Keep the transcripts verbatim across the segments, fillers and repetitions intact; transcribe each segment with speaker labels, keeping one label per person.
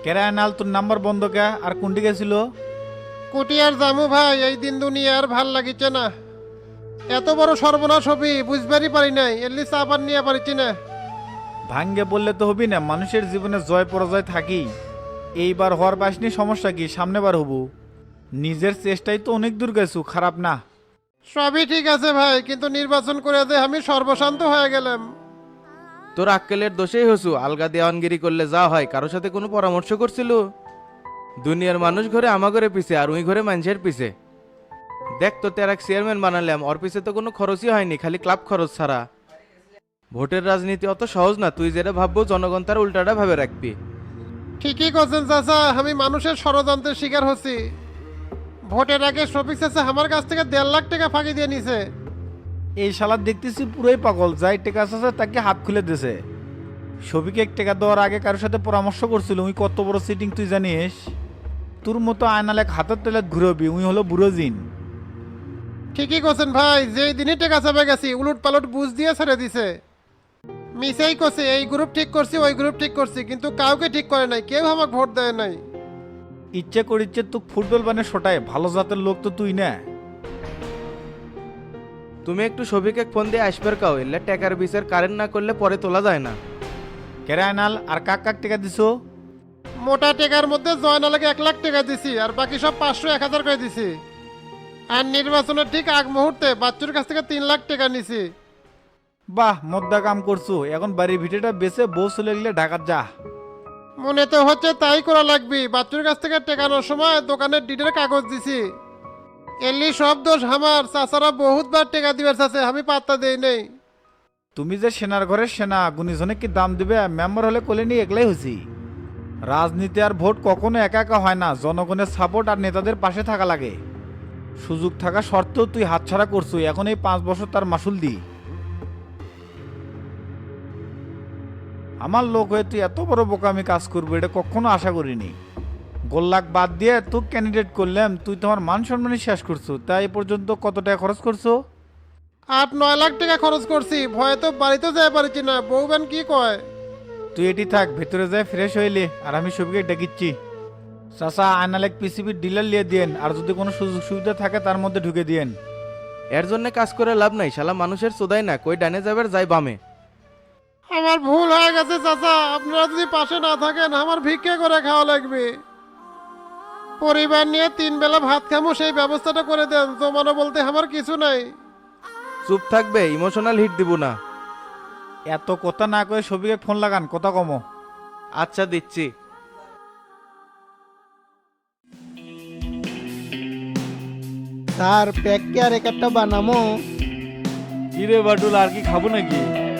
Speaker 1: কেরায়নাল তোর নাম্বার বন্ধ কে আর কোনটি গেছিল?
Speaker 2: কুটিয়ার জামু ভাই, এই দিন দুনিয়া আর ভাল লাগিচ্ছে না। এত বড় সর্বনাশ হবি বুঝবারই পারি নাই, এলি চাপার নিয়ে পারিছি না।
Speaker 1: ভাঙ্গে বললে তো হবি না, মানুষের জীবনে জয় পরাজয় থাকি। এইবার হওয়ার পাসনি, সমস্যা কি, সামনেবার হবু। নিজের চেষ্টাই তো অনেক দূর গেছু, খারাপ না।
Speaker 2: সবই ঠিক আছে ভাই, কিন্তু নির্বাচন করে যে আমি সর্বশান্ত হয়ে গেলাম।
Speaker 3: তোর আক্কেলের দোষেই হসু, আলগা দেওয়ানগিরি করলে যা হয়, কারোর সাথে কোনো পরামর্শ করছিল? দুনিয়ার মানুষ ঘরে আমা ঘরে পিছে আর উই ঘরে মানুষের পিছে। দেখ তো তেরাক চেয়ারম্যান বানালাম, ওর পিছে তো কোনো খরচই হয়নি, খালি ক্লাব খরচ ছাড়া। ভোটের রাজনীতি অত সহজ না, তুই যেটা ভাববো জনগণ তার উল্টাটা ভাবে রাখবি।
Speaker 2: ঠিকই করছেন চাচা, আমি মানুষের ষড়যন্ত্রের শিকার হচ্ছি। ভোটের আগে শফিক চাচা আমার কাছ থেকে দেড় লাখ টাকা ফাঁকি দিয়ে নিছে।
Speaker 1: এই শালা দেখতেছি পুরোই পাগল, যাই টেকা আছে তাকে হাত খুলে দিছে। সবিকে এক টাকা দেওয়ার আগে কারোর সাথে পরামর্শ করছিল, উই কত বড় সিটিং তুই জানিস? তোর মতো আয়নাল এক হাতের তেলে ঘুরবি, উই হলো বুড়ো জিন।
Speaker 2: ঠিকই করছেন ভাই, যেই দিনই টাকা চাপে গেছি উলট পালট বুঝ দিয়ে ছেড়ে দিছে। মিসেই করছে, এই গ্রুপ ঠিক করছি ওই গ্রুপ ঠিক করছি, কিন্তু কাউকে ঠিক করে নাই, কেউ আমাকে ভোট দেয় নাই।
Speaker 1: ইচ্ছে করিচ্ছে তুই ফুটবল বানে শোটায়, ভালো জাতের লোক তো তুই না।
Speaker 3: তুমি একটু সবিকে ফোন দিয়ে আসবার কাও, এলে টাকার বিচার কারেন্ট না করলে পরে তোলা যায় না।
Speaker 1: কেরায়নাল আর কাক কাক টাকা দিছো?
Speaker 2: মোটা টাকার মধ্যে জয়নালাকে এক লাখ টাকা দিছি, আর বাকি সব পাঁচশো এক হাজার করে দিছি। আর নির্বাচনের ঠিক আগ মুহূর্তে বাচ্চুর কাছ থেকে তিন লাখ টাকা নিছি।
Speaker 1: বাহ, মদ্দা কাম করছো। এখন বাড়ির ভিটেটা বেচে বউ চলে গেলে ঢাকার যা।
Speaker 2: মনে তো হচ্ছে তাই করা লাগবে। বাচ্চুর কাছ থেকে টেকানোর সময় দোকানের ডিটের কাগজ দিছি। এলি সব দোষ আমার, চাচারা বহুতবার টাকা দিবার চাচ্ছে, আমি পাত্তা দেই নেই।
Speaker 1: তুমি যে সেনার ঘরের সেনা, গুণীজনে কি দাম দিবে? মেম্বার হলে কোলে নিয়ে একলাই হয়েছি। রাজনীতি আর ভোট কখনো একা একা হয় না, জনগণের সাপোর্ট আর নেতাদের পাশে থাকা লাগে। সুযোগ থাকা সত্ত্বেও তুই হাতছাড়া করছু, এখন এই পাঁচ বছর তার মাসুল দি। আমার লোক হয়ে তুই এত বড় বোকামি কাজ করবি এটা কখনো আশা করিনি। গোল্লাক বাদ দিয়ে তুই ক্যান্ডিডেট করলাম, তুই তোমার মান সম্মানই শেষ করছো। তাই এ পর্যন্ত কত টাকা খরচ করছো?
Speaker 2: আট নয় লাখ টাকা খরচ করছি, ভয়ে তো বাড়িতে যাই পারছি না। বউবেন কি কয়?
Speaker 1: তুই এটি থাক, ভেতরে যায় ফ্রেশ হইলে, আর আমি সবকে ডেকিচ্ছি। চাচা আয়নালেক পিসিবির ডিলার লিয়ে দিয়েন, আর যদি কোনো সুযোগ সুবিধা থাকে তার মধ্যে ঢুকে দিয়েন।
Speaker 3: এর জন্য কাজ করে লাভ নাই, শালা মানুষের চোদাই না, কই ডানে যাবার যাই বামে।
Speaker 2: আমার ভুল হয়ে গেছে চাচা, আপনারা যদি পাশে না থাকেন আমার ভিক্ষে করে খাওয়া লাগবে। পরিবার নিয়ে তিন বেলা ভাত খামো, সেই ব্যবস্থাটা করে দেন। জমানো বলতে আমার কিছু নাই।
Speaker 3: চুপ থাকবে, ইমোশনাল হিট দিব না।
Speaker 1: এত কথা না করে সবিকে ফোন লাগান, কথা কমো।
Speaker 3: আচ্ছা দিচ্ছি।
Speaker 4: স্যার প্যাক কে আর এক একটা বানামো?
Speaker 1: কি রে বাটুল, আর কি খাবো নাকি?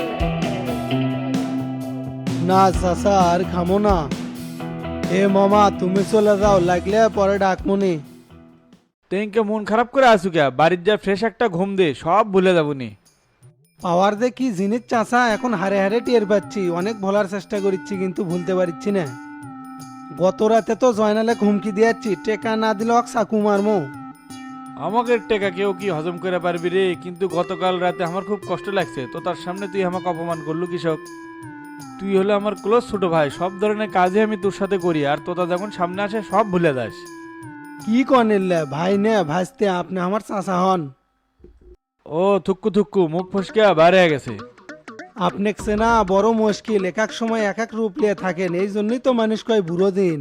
Speaker 4: না চাচা আর খামো না। এ মামা তুমি চলে যাও, লাগলে পরে ডাকমুনি।
Speaker 5: তেনকে মন খারাপ করে আসু কে? বাড়ির যা ফ্রেশ একটা ঘুম দে, সব ভুলে যাবনি।
Speaker 4: পাওয়ার যে কি জিনিস চাচা এখন হারে হারে টের পাচ্ছি। অনেক ভোলার চেষ্টা করছি কিন্তু ভুলতে পারছি না। গত রাতে তো জয়নালে হুমকি দিয়েছি, টেকা না দিলে অক চাকু মারমো।
Speaker 5: আমাকে টেকা কেউ কি হজম করে পারবি রে? কিন্তু গতকাল রাতে আমার খুব কষ্ট লাগছে, তো তার সামনে তুই আমাকে অপমান করলু কৃষক। তুই হলো আমার ক্লোজ ছোট ভাই, সব ধরনের কাজে আমি তোর সাথে করি, আর তোতা যখন সামনে আসে সব ভুলে যাস।
Speaker 4: কি কনিল্লে ভাই নে ভাসতে, আপনি আমার চাচা হন।
Speaker 5: ও থুক্কু থুক্কু, মুখ ফসকে বাইরে হয়ে গেছে।
Speaker 4: আপনি না বড় মুশকিল, এক এক সময় এক এক রূপ নিয়ে থাকেন, এই জন্যই তো মানুষ কয় বুড়ো দিন।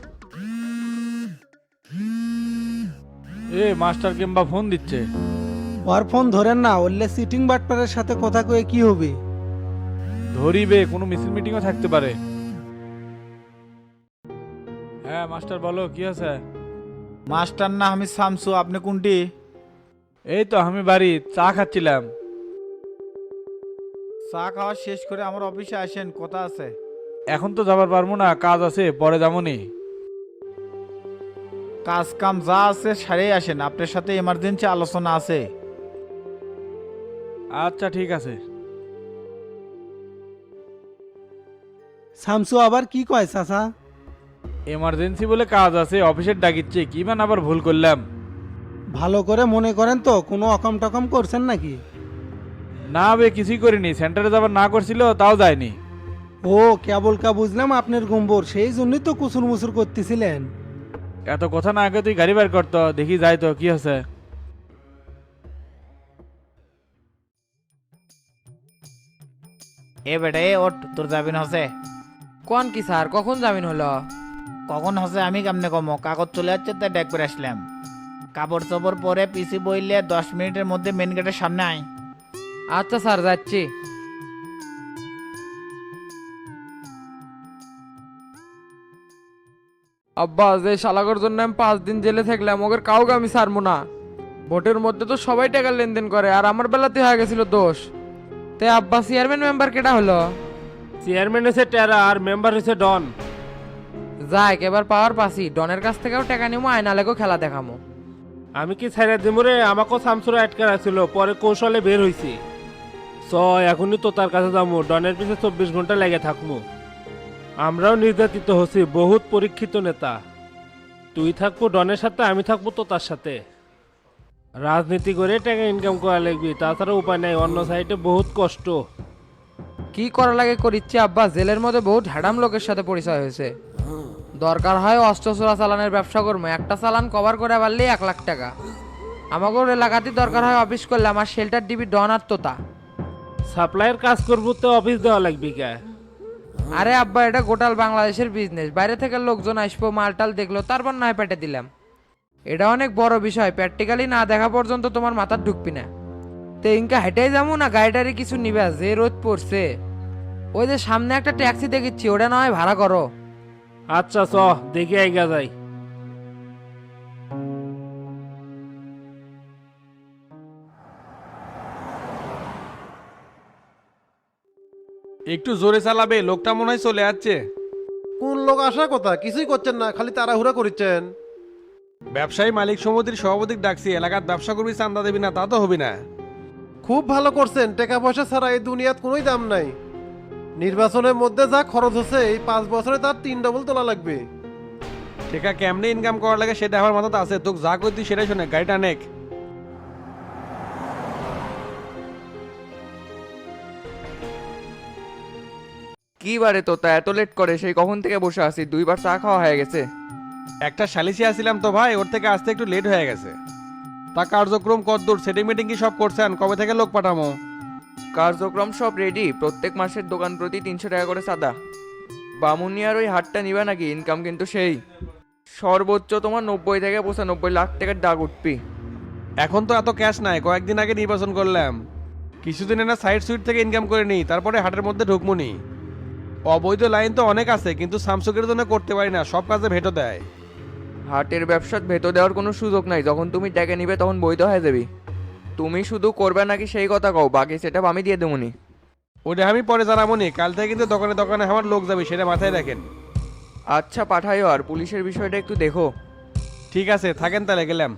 Speaker 5: এ মাস্টার কিংবা ফোন দিচ্ছে।
Speaker 4: ওর ফোন ধরেন না, ওরলে সিটিং বাটপারের সাথে কথা কয়ে কি হবে?
Speaker 5: ধরিবে, কোনো মিছিল মিটিংও থাকতে পারে। হ্যাঁ মাস্টার বলো, কি আছে?
Speaker 1: মাস্টার না, আমি শামসু। আপনি কোনটি?
Speaker 5: এই তো আমি বাড়ি চা খাচ্ছিলাম।
Speaker 1: চা খাওয়া শেষ করে আমার অফিসে আসেন, কথা আছে।
Speaker 5: এখন তো যাবার পারবো না, কাজ আছে, পরে যাবনি।
Speaker 1: কাজ কাম যা আছে সারে আসেন, আপনার সাথে এমার্জেন্সি আলোচনা আছে।
Speaker 5: আচ্ছা ঠিক আছে।
Speaker 4: শামসু আবার কি কয় চাচা?
Speaker 5: এমার্জেন্সি বলে কাজ আছে, অফিসের ডাকিচ্ছে, কি মান আবার ভুল করলাম?
Speaker 4: ভালো করে মনে করেন তো, কোনো অকম টকম করছেন নাকি?
Speaker 5: না বে, কিছুই করিনি। সেন্টারে যাবার না করছিল, তাও যায়নি।
Speaker 4: ও কেবল কা বুঝলাম আপনার গম্বর, সেই জন্যই তো কুসুর মুসুর করতেছিলেন।
Speaker 5: এত কথা না আগে তুই গাড়ি বের করতো, দেখি যাই তো কি আছে।
Speaker 1: এ বেটা এ ওঠ, তোর জামিন হসে।
Speaker 6: কোন কি স্যার, কখন জামিন হলো?
Speaker 1: কখন হসে আমি কেমনে কমো, কাগজ চলে যাচ্ছে তাই ডেক করে আসলাম। কাপড় চোপড় পরে পিসি বইলে দশ মিনিটের মধ্যে মেন গেটের সামনে আয়।
Speaker 6: আচ্ছা স্যার, যাচ্ছি। আব্বা, যে শালাগর জন্য আমি পাঁচ দিন জেলে থাকলাম, ওদের কাউকে আমি ছাড়বো না। ভোটের মধ্যে তো সবাই টাকার লেনদেন করে, আর আমার বেলাতে হয়ে গেছিল দোষ। তে আব্বা, চেয়ারম্যান মেম্বার কেটা হলো?
Speaker 7: চেয়ারম্যান হয়েছে টেরা আর মেম্বার হয়েছে ডন।
Speaker 6: যাক, এবার পাওয়ার পাসি, ডনের কাছ থেকেও টাকা নিবো, আয়নালেকেও খেলা দেখামো।
Speaker 7: আমি কি ছাইরা দিমুরে, আমাকেও সামসুরা আটকা রাখছিল, পরে কৌশলে বের হইছি। চ এখনই তো তার কাছে যাবো, ডনের পিছে চব্বিশ ঘন্টা লেগে থাকবো। আমরাও নির্যাতিত হচ্ছি, বহুত পরীক্ষিত নেতা। তুই থাকবো ডনের সাথে, আমি থাকবো তো তার সাথে। রাজনীতি করে টাকা ইনকাম করা লাগবি, তাছাড়া উপায় নাই, অন্য সাইডে বহুত কষ্ট।
Speaker 6: কি করা লাগে করিচ্ছি আব্বা, জেলের মধ্যে বহুত হ্যাডাম লোকের সাথে পরিচয় হয়েছে। দরকার হয় অস্ত্র চোরা চালানের ব্যবসা করবো, একটা চালান কভার করে পারলেই এক লাখ টাকা। আমাকে এলাকাতেই দরকার হয় অফিস করলে, আমার শেল্টার ডিবি ডন আর তোতা।
Speaker 7: সাপ্লাইয়ের কাজ করবো তো অফিস দেওয়া লাগবি কে?
Speaker 6: আরে আব্বা, এটা গোটাল বাংলাদেশের বিজনেস, বাইরে থেকে লোকজন আসবো, মালটাল দেখলো, তারপর নয় পেটে দিলাম। এটা অনেক বড় বিষয়, প্র্যাকটিক্যালি না দেখা পর্যন্ত তোমার মাথার ঢুকবি না। তো ইনকা হেঁটেই যাবো না গাড়িটারি কিছু নিবে, যে রোদ পড়ছে। ওই যে সামনে একটা ট্যাক্সি দেখেছি, ওটা নয় ভাড়া করো।
Speaker 7: আচ্ছা চ দেখি আইগা যাই।
Speaker 3: একটু জোরে চালাবে, লোকটা মনে হয় চলে যাচ্ছে।
Speaker 2: কোন লোক আসার কথা, কিছুই করছেন না, খালি তাড়াহুড়া করছেন।
Speaker 3: ব্যবসায়ী মালিক সমিতির সভাপতি ডাকছি, এলাকার ব্যবসা করবি, চান্দা দেবি না তা তো হবি না।
Speaker 2: খুব ভালো করছেন, টাকা পয়সা ছাড়া এই দুনিয়াত কোনোই দাম নাই। নির্বাচনের মধ্যে যা খরচ হচ্ছে, এই পাঁচ বছরে তার তিন ডবল তোলা লাগবে।
Speaker 3: টেকা কেমনে ইনকাম করা লাগে সেটা আমার মাথাতে আছে, তোকে যা করতি সেটাই শোনে, গাড়িটা নেক।
Speaker 6: কি বারে তোতা এত লেট করে, সেই কখন থেকে বসে আছি, দুইবার চা খাওয়া হয়ে গেছে।
Speaker 3: একটা সালিসি আসছিলাম তো ভাই, ওর থেকে আসতে একটু লেট হয়ে গেছে। তা কার্যক্রম কতদূর, সেটিং মিটিং কি সব করছেন, কবে থেকে লোক পাঠামো?
Speaker 6: কার্যক্রম সব রেডি, প্রত্যেক মাসের দোকান প্রতি তিনশো টাকা করে চাঁদা। বামুনিয়ার ওই হাটটা নিবা নাকি? ইনকাম কিন্তু সেই সর্বোচ্চ তোমার নব্বই থেকে পঁচানব্বই লাখ টাকার দাগ উঠবি।
Speaker 3: এখন তো এত ক্যাশ নাই, কয়েকদিন আগে নির্বাচন করলাম, কিছুদিন না সাইড সুইট থেকে ইনকাম করে নিই, তারপরে হাটের মধ্যে ঢুকমুনি। অবৈধ লাইন তো অনেক আছে, কিন্তু সামসুকের জন্য করতে পারি না, সব কাজে ভেটো দেয়।
Speaker 6: হাটের ব্যবসাত ভেতর দেওয়ার কোনো সুযোগ নাই, যখন তুমি টাকা নিবে তখন বৈধ হয়ে যাবি। তুমি শুধু করবে নাকি সেই কথা কও, বাকি সেটা আমি দিয়ে দেবনি।
Speaker 3: ওটা আমি পরে জানাবো নি, কাল থেকে কিন্তু দোকানে দোকানে আমার লোক যাবে, সেটা মাথায় রাখেন।
Speaker 6: আচ্ছা পাঠাইও, আর পুলিশের বিষয়টা একটু দেখো।
Speaker 3: ঠিক আছে, থাকেন তাহলে, গেলাম।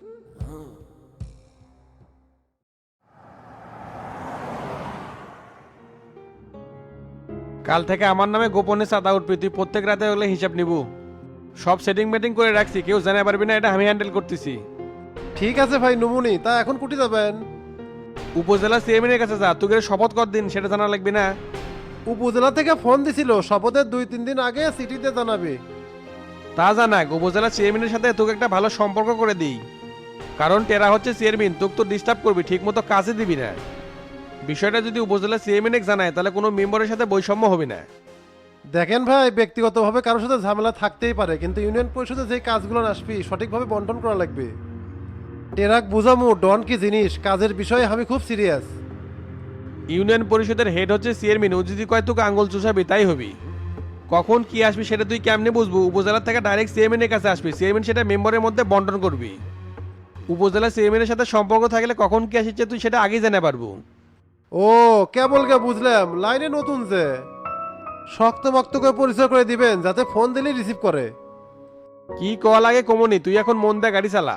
Speaker 3: কাল থেকে আমার নামে গোপনে চাঁদা উঠবি, তুই প্রত্যেক রাতে হলে হিসাব নিব। সব সেটিং মেটিং করে রাখছি, কেউ জানা পারবি না, এটা আমি হ্যান্ডেল করতেছি।
Speaker 2: ঠিক আছে ভাই নমুনি, তা এখন কুটি যাবেন?
Speaker 3: উপজেলা চেয়ারম্যানের কাছে যা, তুই শপথ কর দিন, সেটা জানা লাগবে না।
Speaker 2: উপজেলা থেকে ফোন দিছিল, শপথের দুই তিন দিন আগে সিটিতে জানাবে।
Speaker 3: তা জানাক, উপজেলা চেয়ারম্যানের সাথে তোকে একটা ভালো সম্পর্ক করে দিই, কারণ টেরা হচ্ছে চেয়ারম্যান, তোকে তো ডিস্টার্ব করবি, ঠিক মতো কাজে দিবি না। বিষয়টা যদি উপজেলা চেয়ারম্যানকে জানায়, তাহলে কোনো মেম্বারের সাথে বৈষম্য হবে না।
Speaker 2: দেখেন ভাই, ব্যক্তিগতভাবে কারোর সাথে ঝামেলা থাকতেই পারে, কিন্তু ইউনিয়ন পরিষদে যে কাজগুলো আসবি সঠিকভাবে বন্টন করা লাগবে। টেরাক বুঝামু ডন কি জিনিস, কাজের বিষয়ে আমি খুব সিরিয়াস।
Speaker 3: ইউনিয়ন পরিষদের হেড হচ্ছে চেয়ারম্যান, ও যদি কয় তোকে আঙুল চুষাবি তাই হবি। কখন কি আসবি সেটা তুই কেমনে বুঝবো? উপজেলা থেকে ডাইরেক্ট চেয়ারম্যানের কাছে আসবি, চেয়ারম্যান সেটা মেম্বারের মধ্যে বন্টন করবি। উপজেলা চেয়ারম্যানের সাথে সম্পর্ক থাকলে কখন কি আসছে তুই সেটা আগেই জানা পারবো।
Speaker 2: ও কেবল কে বুঝলাম, লাইনে নতুন যে শক্ত মক্ত করে পরিচয় করে দিবেন, যাতে ফোন দিলে রিসিভ করে।
Speaker 3: কি কল লাগে কমনি, তুই এখন মন দিয়ে গাড়ি চালা।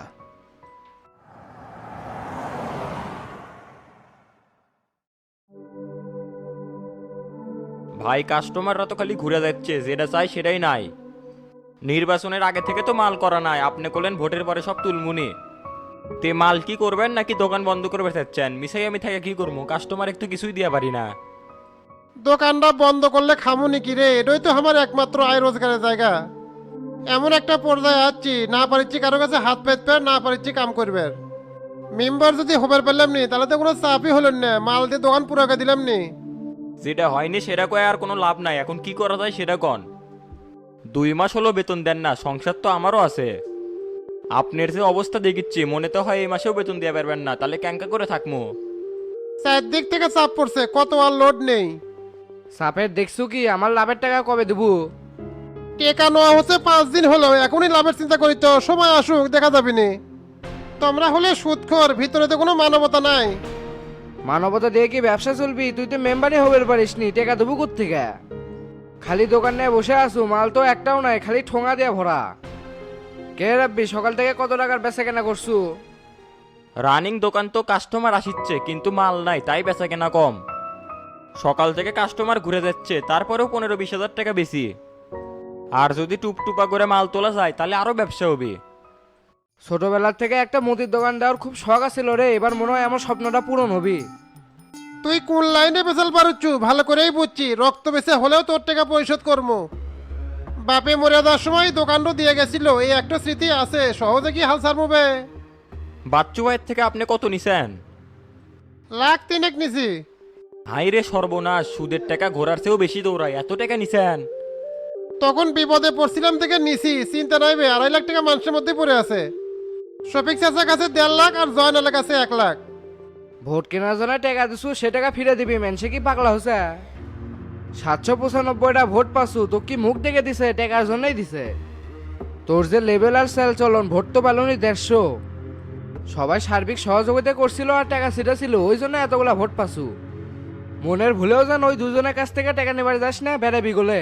Speaker 8: ভাই কাস্টমাররা তো খালি ঘুরে যাচ্ছে, যেটা চাই সেটাই নাই। নির্বাচনের আগে থেকে তো মাল করা নাই, আপনি করলেন ভোটের পরে সব তুলমুনি। তে মাল কি করবেন নাকি দোকান বন্ধ করে চাচ্ছেন? মিশাই আমি থেকে কি করবো, কাস্টমার একটু কিছুই দিয়া পারি না।
Speaker 2: দোকানটা বন্ধ করলে খামুনি কি রে? এটাই তো আমার একমাত্র আয় রোজগারের জায়গা। এমন একটা পর্যায়ে আছি, না পারিচ্ছি কারো কাছে হাত পেতে, না পারিচ্ছি কাম করবে। মেম্বার যদি হবার পারলাম নি, তাহলে তো কোনো চাপই হলেন না, মাল দিয়ে দোকান পুরাকে দিলাম নি।
Speaker 8: যেটা হয়নি সেটা কয়ে আর কোনো লাভ নাই, এখন কি করা যায় সেটা কন। দুই মাস হলো বেতন দেন না, সংসার তো আমারও আছে। আপনার যে অবস্থা দেখিচ্ছি মনে তো হয় এই মাসেও বেতন দিয়ে পারবেন না, তাহলে ক্যাঙ্কা করে থাকবো।
Speaker 2: চারদিক থেকে চাপ পড়ছে, কত আর লোড নেই।
Speaker 6: সাপের দেখছো কি আমার লাভের টাকা কবে দেবো?
Speaker 2: টেকা নেওয়া হচ্ছে পাঁচ দিন হলো, এখনই লাভের চিন্তা করি তো, সময় আসুক দেখা যাবে নি। তোমরা হলে সুদখোর, ভিতরে তো কোনো মানবতা নাই।
Speaker 6: মানবতা দিয়ে কি ব্যবসা চলবি? তুই তো মেম্বারই হবার পারিস নি, টাকা দেবো কোত্থেকে? খালি দোকান নিয়ে বসে আসু, মাল তো একটাও নাই, খালি ঠোঙা দিয়ে ভরা। কে রাব্বি, সকাল থেকে কত টাকার বেচা কেনা করছু?
Speaker 8: রানিং দোকান তো কাস্টমার আসিচ্ছে কিন্তু মাল নাই, তাই বেচা কেনা কম। সকাল থেকে কাস্টমার ঘুরে যাচ্ছে, তারপরেও পনেরো বিশ হাজার টাকা বেশি। আর যদি টুপটুপা করে মাল তোলা যায় তাহলে আরো ব্যবসা হবে।
Speaker 6: ছোটবেলার থেকে একটা মুদির দোকান দেওয়ার খুব শখ আছিল রে, এবার মনে হয় আমার স্বপ্নটা পূরণ হবি।
Speaker 2: তুই কোন লাইনে বেচাল পারুচ্ছু ভালো করেই বুঝছি, রক্ত বেচে হলেও তোর টাকা পরিশোধ করবো। বাপে মরে যাওয়ার সময় দোকানটা দিয়ে গেছিল, এই একটা স্মৃতি আছে, সহজে কি হাল ছাড়বে?
Speaker 8: বাচ্চু ভাইয়ের থেকে আপনি কত নিছেন?
Speaker 2: লাখ তিনেক নিছি।
Speaker 8: হাই রে সর্বনাশ, সুদের টাকা ঘোরার চেয়েও বেশি দৌড়ায়, এত টাকা নিছেন?
Speaker 2: তখন বিপদে পড়ছিলাম থেকে নিছি, চিন্তা নাই বে, আড়াই লাখ টাকা মানুষের মধ্যে পড়ে আছে। শফিক চাচার কাছে দেড় লাখ আর জয়নালের কাছে এক লাখ।
Speaker 6: ভোট কেনার জন্য টাকা দিছু, সে টাকা ফিরে দিবি, মেনসে কি পাগলা হচ্ছে? সাতশো পঁচানব্বইটা ভোট পাসু, তো কি মুখ দেখে দিছে? টাকার জন্যই দিছে। তোর যে লেভেল আর সেল চলন, ভোট তো পালনি দেড়শো। সবাই সার্বিক সহযোগিতা করছিল আর টাকা সেটা ছিল, ওই জন্য এতগুলা ভোট পাসু। মনের ভুলেও যেন ওই দুজনের কাছ থেকে টাকা নেবার যাস না, বেড়াবি গোলে।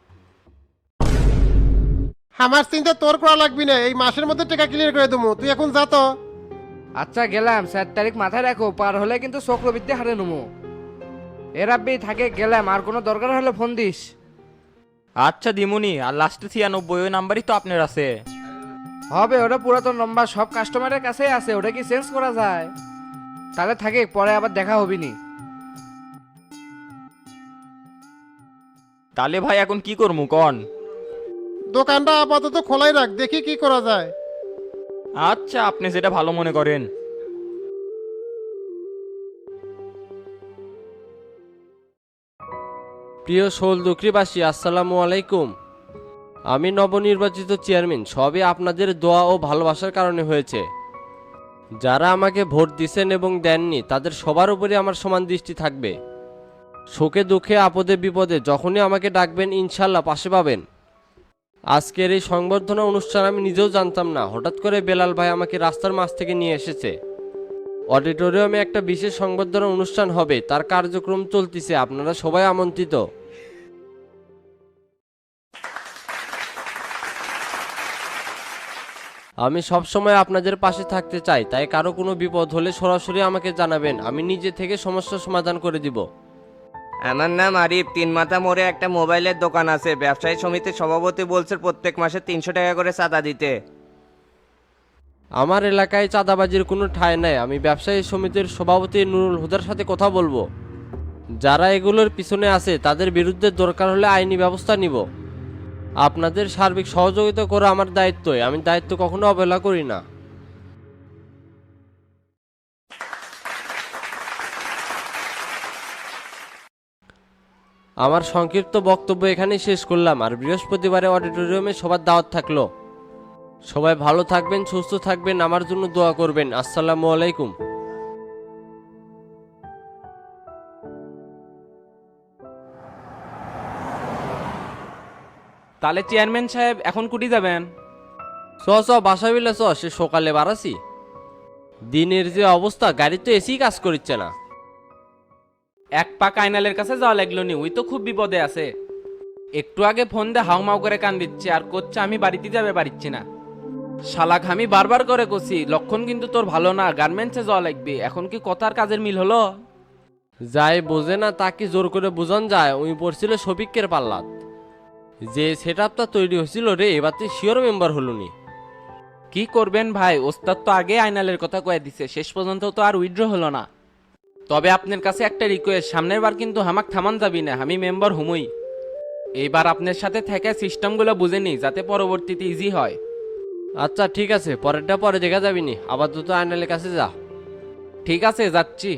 Speaker 2: আমার চিন্তা তোর করা লাগবি না, এই মাসের মধ্যে টাকা ক্লিয়ার করে দেবো, তুই এখন যা তো।
Speaker 6: আচ্ছা গেলাম, চার তারিখ মাথায় রাখো, পার হলে কিন্তু চক্রবৃদ্ধি হারে নমো। এ রাব্বি থাকে, গেলাম, আর কোনো দরকার হলে ফোন দিস।
Speaker 8: আচ্ছা দিমুনি, আর লাস্টে ছিয়ানব্বই ওই নাম্বারই তো আপনার আছে।
Speaker 6: হবে, ওটা পুরাতন নম্বর, সব কাস্টমারের কাছেই আছে, ওটা কি চেঞ্জ করা যায়? তাহলে থাকে, পরে আবার দেখা হবিনি।
Speaker 8: তাহলে ভাই এখন কি করবো কন?
Speaker 2: দোকানটা আপাতত খোলাই রাখ, দেখি কি করা যায়।
Speaker 8: আচ্ছা আপনি যেটা ভালো মনে করেন।
Speaker 9: প্রিয় শোলদুকরিবাসী, আসসালামু আলাইকুম। আমি নবনির্বাচিত চেয়ারম্যান, সবই আপনাদের দোয়া ও ভালোবাসার কারণে হয়েছে। যারা আমাকে ভোট দিছেন এবং দেননি তাদের সবার উপরে আমার সমান দৃষ্টি থাকবে। সুখে দুঃখে আপদে বিপদে যখনই আমাকে ডাকবেন ইনশাল্লাহ পাশে পাবেন। আজকের এই সংবর্ধনা অনুষ্ঠান আমি নিজেও জানতাম না, হঠাৎ করে বেলাল ভাই আমাকে রাস্তার মাঝ থেকে নিয়ে এসেছে। অডিটোরিয়ামে একটা বিশেষ সংবর্ধনা অনুষ্ঠান হবে, তার কার্যক্রম চলতিছে, আপনারা সবাই আমন্ত্রিত। আমি সব সময় আপনাদের পাশে থাকতে চাই, তাই কারো কোনো বিপদ হলে সরাসরি আমাকে জানাবেন, আমি নিজে থেকে সমস্যার সমাধান করে দিব।
Speaker 10: আমার নাম আরিফ, তিন মাথা মোড়ে একটা মোবাইলের দোকান আছে। ব্যবসায়ী সমিতির সভাপতি বলছে প্রত্যেক মাসে তিনশো টাকা করে চাঁদা দিতে।
Speaker 9: আমার এলাকায় চাঁদাবাজির কোনো ঠাঁই নাই, আমি ব্যবসায়ী সমিতির সভাপতি নুরুল হুদার সাথে কথা বলবো। যারা এগুলোর পিছনে আছে তাদের বিরুদ্ধে দরকার হলে আইনি ব্যবস্থা নিব। আপনাদের সার্বিক সহযোগিতা করা আমার দায়িত্বই, আমি দায়িত্ব কখনো অবহেলা করি না। আমার সংক্ষিপ্ত বক্তব্য এখানেই শেষ করলাম, আর বৃহস্পতিবারে অডিটোরিয়ামে সবার দাওয়াত থাকলো। সবাই ভালো থাকবেন, সুস্থ থাকবেন, আমার জন্য দোয়া করবেন। আসসালামু আলাইকুম।
Speaker 3: তাহলে চেয়ারম্যান সাহেব এখন কুটি যাবেন?
Speaker 9: চ চ বাসা বিলে চ, সে সকালে বাড়াছি। দিনের যে অবস্থা, গাড়ি তো এসি কাজ করছে না।
Speaker 3: এক পা কাইনালের কাছে যাওয়া লাগলো নি, ওই তো খুব বিপদে আছে। একটু আগে ফোন দিয়ে হাউ মাউ করে কান দিচ্ছে আর করছে আমি বাড়িতে যাবে পারিচ্ছি না। শালাক আমি বারবার করে কছি লক্ষণ কিন্তু তোর ভালো না, গার্মেন্টসে যাওয়া লাগবে। এখন কি কথার কাজের মিল হলো?
Speaker 9: যাই বোঝে না তাকে জোর করে বোঝান যায়, ওই পড়ছিল শফিকের পাল্লাত। যে সেট আপটা তৈরি হয়েছিল রে, এবার তুই শিওর মেম্বার হলো নি।
Speaker 3: কি করবেন ভাই, ওস্তাদ তো আগে আইনালের কথা কয়ে দিছে, শেষ পর্যন্ত তো আর উইথড্র হলো না।
Speaker 9: তবে আপনার কাছে একটা রিকোয়েস্ট, সামনের বার কিন্তু হামাক থামান যাবি না, আমি মেম্বার হুমই। এইবার আপনার সাথে থেকে সিস্টেমগুলো বুঝে নি যাতে পরবর্তীতে ইজি হয়। আচ্ছা ঠিক আছে, পরেরটা পরে দেখা যাবিনি, আপাতত আয়নালের কাছে যা। ঠিক আছে, যাচ্ছি।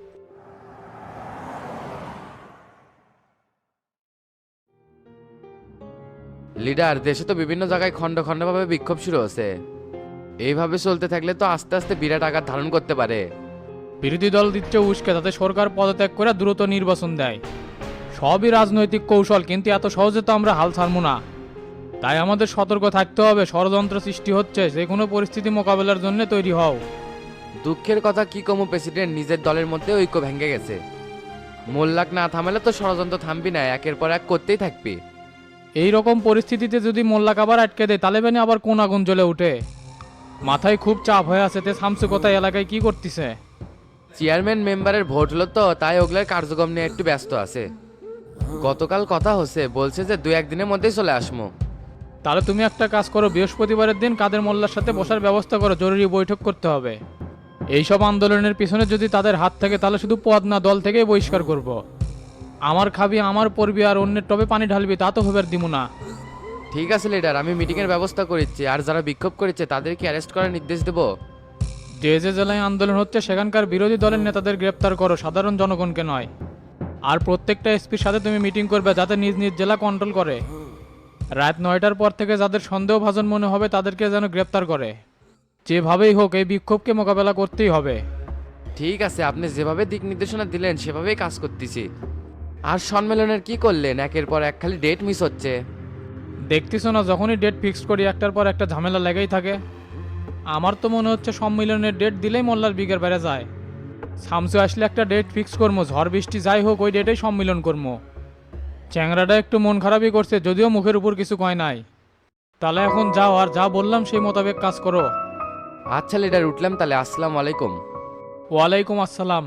Speaker 11: লিডার, দেশে তো বিভিন্ন জায়গায় খণ্ড খণ্ডভাবে বিক্ষোভ শুরু হচ্ছে। এইভাবে চলতে থাকলে তো আস্তে আস্তে বিরাট আকার ধারণ করতে পারে।
Speaker 5: বিরোধী দল দিচ্ছে উস্কে যাতে সরকার পদত্যাগ করে দ্রুত নির্বাচন দেয়। সবই রাজনৈতিক কৌশল, কিন্তু এত সহজে তো আমরা হাল ছাড়বো না। তাই আমাদের সতর্ক থাকতে হবে, ষড়যন্ত্র সৃষ্টি হচ্ছে, যে কোনো পরিস্থিতি মোকাবেলার জন্য তৈরি হও।
Speaker 11: দুঃখের কথা কি কমু প্রেসিডেন্ট, নিজের দলের মধ্যে ঐক্য ভেঙে গেছে। মোল্লাক না থামালে তো ষড়যন্ত্র থামবি না, একের পর এক করতেই থাকবি।
Speaker 5: এই রকম পরিস্থিতিতে যদি মোল্লাক আবার আটকে দেয়, তালেবানি আবার কোন আগুন জ্বলে উঠে। মাথায় খুব চাপ হয়ে আছে। তে শামসু কোথায়, এলাকায় কি করতেছে?
Speaker 11: চেয়ারম্যান মেম্বারের ভোট হলো তো, তাই ওগুলোর কার্যক্রম নিয়ে একটু ব্যস্ত আছে। গতকাল কথা হচ্ছে, বলছে যে দু একদিনের মধ্যেই চলে আসবো।
Speaker 5: তাহলে তুমি একটা কাজ করো, বৃহস্পতিবারের দিন কাদের মোল্লার সাথে বসার ব্যবস্থা করো, জরুরি বৈঠক করতে হবে। এইসব আন্দোলনের পিছনে যদি তাদের হাত থাকে, তাহলে শুধু পদ না, দল থেকেই বহিষ্কার করব। আমার খাবি, আমার পড়বি, আর অন্যের টবে পানি ঢালবি, তা তো হবার দিব না।
Speaker 11: ঠিক আছে লিডার, আমি মিটিংয়ের ব্যবস্থা করেছি। আর যারা বিক্ষোভ করেছে তাদেরকে অ্যারেস্ট করার নির্দেশ দেবো।
Speaker 5: যে যে জেলায় আন্দোলন হচ্ছে সেখানকার বিরোধী দলের নেতাদের গ্রেপ্তার করো, সাধারণ জনগণকে নয়। আর প্রত্যেকটা এসপির সাথে তুমি মিটিং করবে, যাতে নিজ নিজ জেলা কন্ট্রোল করে। রাত নয়টার পর থেকে যাদের সন্দেহভাজন মনে হবে তাদেরকে যেন গ্রেপ্তার করে। যেভাবেই হোক এই বিক্ষোভকে মোকাবেলা করতেই হবে।
Speaker 11: ঠিক আছে, আপনি যেভাবে দিক নির্দেশনা দিলেন সেভাবেই কাজ করতেছি। আর সম্মেলনের কি করলেন? একের পর এক খালি ডেট মিস হচ্ছে।
Speaker 5: দেখতেছো না, যখনই ডেট ফিক্স করি একটার পর একটা ঝামেলা লেগেই থাকে। আমার তো মনে হচ্ছে সম্মেলনের ডেট দিলেই মোল্লার বিকের বেড়ে যায়। শামসু আসলে একটা ডেট ফিক্স করবো, ঝড় বৃষ্টি যাই হোক ওই ডেটেই সম্মেলন করবো। চ্যাংরাটা একটু মন খারাপই করছে, যদিও মুখের উপর কিছু কয় নাই। তাহলে এখন যাও, আর যা বললাম সেই মোতাবেক কাজ করো।
Speaker 11: আচ্ছা লিডার, উঠলাম তাহলে। আসসালামু আলাইকুম।
Speaker 5: ওয়ালাইকুম আসসালাম।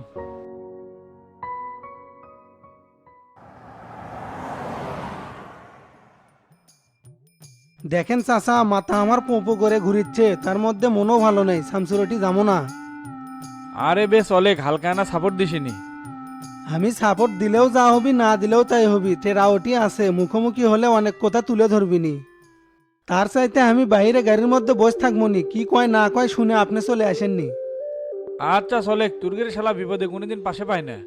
Speaker 4: দেখেন চাচা, মাথা আমার পোপো করে ঘুরিচ্ছে, তার মধ্যে মনও ভালো নেই। শামসুরটি যাবো না।
Speaker 5: আরে বেশ অলেক, হালকা না সাপোর্ট দিসিনি।
Speaker 4: আমি সাপোর্ট দিলেও যা হবি, না দিলেও তাই হবি। টেরাওটি আছে, মুখোমুখি হলে অনেক কথা তুলে ধরবিনি। তার চাইতে আমি বাইরে গাড়ির মধ্যে বসে থাকবো নি, কি কয় না কয় শুনে আপনি চলে আসেননি।
Speaker 5: আচ্ছা চলে, তুর্গের শালা বিপদে কোনোদিন পাশে পায় না।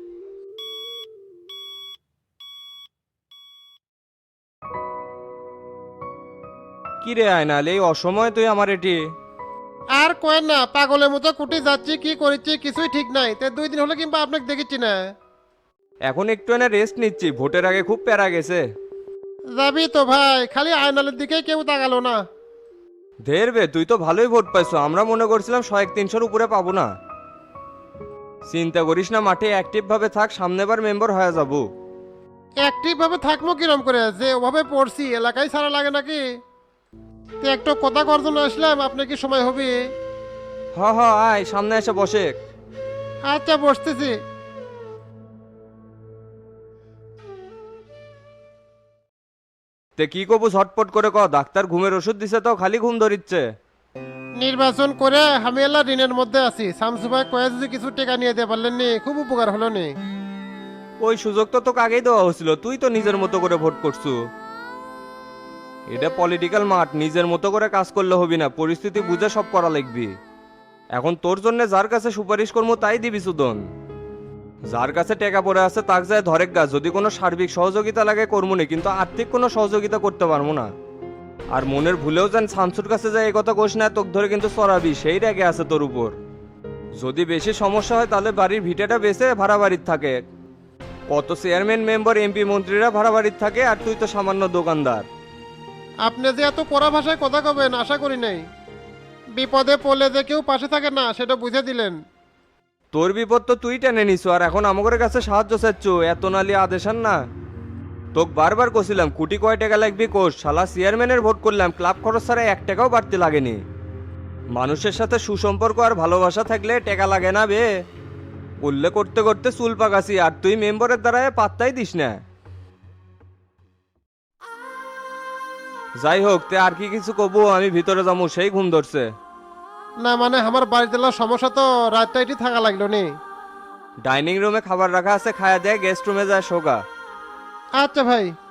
Speaker 10: কি রে আয়নাল, এই অসময় তুই আমার এটি?
Speaker 2: আর কয়েন না, পাগলের মতো কুটি যাচ্ছি, কি করেছি কিছুই ঠিক নাই। তে দুই দিন হলো কিংবা আপনাকে দেখেছি না।
Speaker 10: এখন একটু এনে রেস্ট নিচ্ছি, ভোটের আগে খুব প্যারা গেছে।
Speaker 2: যাবি তো ভাই, খালি আয়নালের দিকেই কেউ তাকালো না।
Speaker 10: ধেরবে, তুই তো ভালোই ভোট পাইছো, আমরা মনে করছিলাম শয়েক তিনশোর উপরে পাবো না। চিন্তা করিস না, মাঠে অ্যাক্টিভ ভাবে থাক, সামনেবার মেম্বার হয়ে যাবো।
Speaker 2: অ্যাক্টিভ ভাবে থাকবো কিরম করে, যে ওভাবে পড়ছি এলাকায় ছাড়া লাগে নাকি? তো একটু কথা করার জন্য আসলাম, আপনার কি সময় হবে?
Speaker 10: হ হ, আয় সামনে এসে বসে।
Speaker 2: আচ্ছা বসতেছি।
Speaker 10: তে কি কবু ঝটপট করে ক, ডাক্তার ঘুমের ওষুধ দিছে তো খালি ঘুম ধরিচ্ছে।
Speaker 2: নির্বাচন করে আমি এলা ঋণের মধ্যে আছি। শামসু ভাই কয়ে যদি কিছু টাকা নিয়ে দিতে পারলেন নি, খুব উপকার হলো নি।
Speaker 10: ওই সুযোগ তো তোকে আগেই দেওয়া হয়েছিল, তুই তো নিজের মতো করে ভোট করছু। এটা পলিটিক্যাল মাঠ, নিজের মতো করে কাজ করলে হবি না, পরিস্থিতি বুঝে সব করা লাগবি। এখন তোর জন্য যার কাছে সুপারিশ করবো তাই দিবি সুদন। যার কাছে টাকা পড়ে আছে তাক যায় ধরেক গা, যদি কোনো সার্বিক সহযোগিতা লাগে করবো না, কিন্তু আর্থিক কোনো সহযোগিতা করতে পারবো না। আর মনের ভুলেও যেন শামসুর কাছে যায় এই কথা কোষ না, তোকে ধরে কিন্তু চড়াবি, সেই রেগে আছে তোর উপর। যদি বেশি সমস্যা হয় তাহলে বাড়ির ভিটাটা বেচে ভাড়া বাড়ির থাকে। কত চেয়ারম্যান মেম্বার এমপি মন্ত্রীরা ভাড়া বাড়ির থাকে, আর তুই তো সামান্য দোকানদার।
Speaker 2: আপনি যে এত কড়া ভাষায় কথা কবেন আশা করি নাই। বিপদে পড়লে যে কেউ পাশে থাকে না সেটা বুঝে দিলেন।
Speaker 10: তোর বিপদ তো তুই টেনে নিছো, আর এখন আমাদের কাছে সাহায্য চাচ্ছ, এত নালি আদেশান না। তোকে বারবার কছিলাম কোটি কয় টাকা লাগবে কোষ, শালা চেয়ারম্যানের ভোট করলাম, ক্লাব খরচ ছাড়া এক টাকাও বাড়তে লাগেনি। মানুষের সাথে সুসম্পর্ক আর ভালোবাসা থাকলে টাকা লাগে না বে। করলে করতে করতে চুল পাকাছি, আর তুই মেম্বারের দ্বারায় পাত্তাই দিস না। যাই হোক, তে আর কি কিছু কবো? আমি ভিতরে যাবো, সেই ঘুম ধরছে।
Speaker 2: না মানে আমার বাড়িতে সমস্যা তো, রাতটা এটি থাকা লাগলো নি।
Speaker 10: ডাইনিং রুমে খাবার রাখা আছে, খায়া দেয়, গেস্ট রুমে যায় শোকা।
Speaker 2: আচ্ছা ভাই।